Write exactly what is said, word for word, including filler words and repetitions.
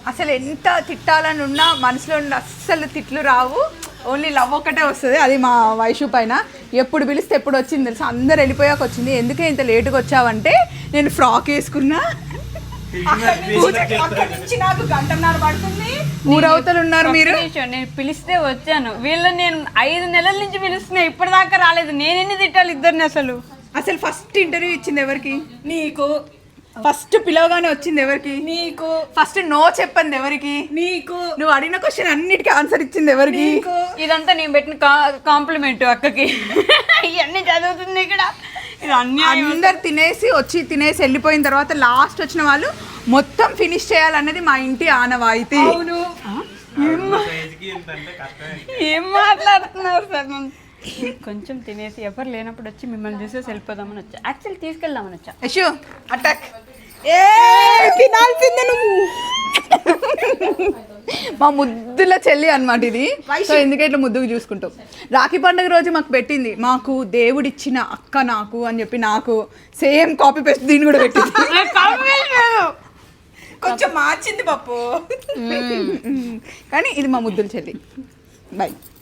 అసలు ఎంత తిట్టాలని ఉన్నా మనసులో ఉన్న అస్సలు తిట్లు రావు, ఓన్లీ లవ్ ఒక్కటే వస్తుంది. అది మా వైషు పైన. ఎప్పుడు పిలిస్తే ఎప్పుడు వచ్చింది తెలుసా, అందరు వెళ్ళిపోయాక వచ్చింది. ఎందుకే ఇంత లేటుగా వచ్చావంటే నేను ఫ్రాక్ వేసుకున్నా, అక్కడి నుంచి నాకు గంటన్నర పడుతుంది, ఊరవతలు ఉన్నారు మీరు. నేను పిలిస్తే వచ్చాను, వీళ్ళని నేను ఐదు నెలల నుంచి పిలుస్తున్నా, ఇప్పటిదాకా రాలేదు. నేను ఎన్ని తిట్టాలి ఇద్దరిని? అసలు అసలు ఫస్ట్ ఇంటర్వ్యూ ఇచ్చింది ఎవరికి? నీకు. ఫస్ట్ పిలవగానే వచ్చింది ఎవరికి? నీకు. ఫస్ట్ నో చెప్పింది ఎవరికి? నీకు. నువ్వు అడిగిన క్వశ్చన్ అన్నిటికీ ఆన్సర్ ఇచ్చింది ఎవరికి? ఇదంతా నేను పెట్టిన కాంప్లిమెంట్ అక్కకి. ఇవన్నీ చదువుతుంది ఇక్కడ. ఇది అన్ని అందరు తినేసి వచ్చి తినేసి వెళ్ళిపోయిన తర్వాత లాస్ట్ వచ్చిన వాళ్ళు మొత్తం ఫినిష్ చేయాలన్నది మా ఇంటి ఆనవాయితీ. అవును. ఏం మాట్లాడుతున్నారు సార్? కొంచెం తినేసి ఎవరు లేనప్పుడు వచ్చి మిమ్మల్ని చూసేసి వెళ్ళిపోదామని వచ్చా. యాక్చువల్లీ తీసుకెళ్దామని వచ్చా. యశు అటాక్. ఏ తినాల్సిందే నువ్వు. మా ముద్దుల చెల్లి అనమాట ఇది. సో ఎందుకంటే ఇట్లా ముద్దుకు చూసుకుంటాం. రాఖీ పండుగ రోజు మాకు పెట్టింది, మాకు దేవుడిచ్చిన అక్క నాకు అని చెప్పి, నాకు సేమ్ కాపీ పేస్ట్ దీన్ని కూడా పెట్టింది. కొంచెం మార్చింది పప్పు, కానీ ఇది మా ముద్దుల చెల్లి. బాయ్.